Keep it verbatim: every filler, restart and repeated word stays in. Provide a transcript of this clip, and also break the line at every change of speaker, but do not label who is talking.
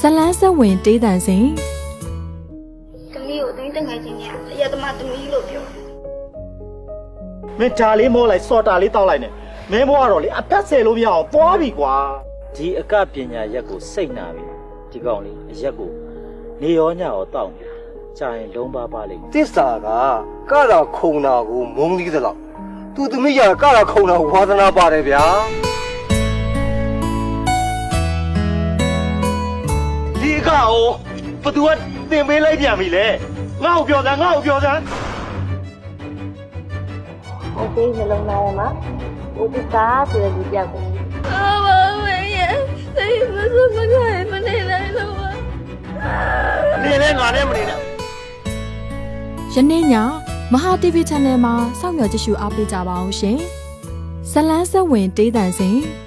လန်းဆက်ဝင်တေးတန်စဉ်
တမီးကိုတိုင်းတက်ငယ်ချင်းညာအရက်သမားတမီးလို့ပြော
မင်းဒါလေးမောလိုက်စော်တာလေးတောက်လိုက်နဲ့မင်းဘွားတော့လေအသက်ဆယ်လို့မရအောင်ပွားပြီကွာ
ဒီအကပညာရက်ကိုစိတ်နာပြီဒီကောင်လေးအရက်ကိုနေရောညရောတောက်နေတာကြာရင်လုံးပါပါလိမ့်မယ်
တစ္ဆာကကတာခုံတာကိုမုံသီးသလောက်သူသမီးရကတာခုံတာဝါသနာပါတယ်ဗျာဒီကအောဘသူကတင်ပေးလိုက်ပြန်ပြီလေငါ့ကိုပြောစမ်းငါ့ကိုပြောစမ်း
โอเคနှလုံးသားထဲမှာဦးတစားဆိုတဲ့လူပြောက်ကိုအာမမေရဲ့စိတ်မစိုးမခိုင်မနေနိုင်တော့ပါ
နေလဲငါနဲ့မနေနဲ့
ယနေ့ညမဟာ တီဗီ Channel မှာစောင့်မျှော်ကြည့်ရှုအားပေးကြပါအောင်ရှင်ဇလန်းဆက်ဝင်တေးတန်စဉ်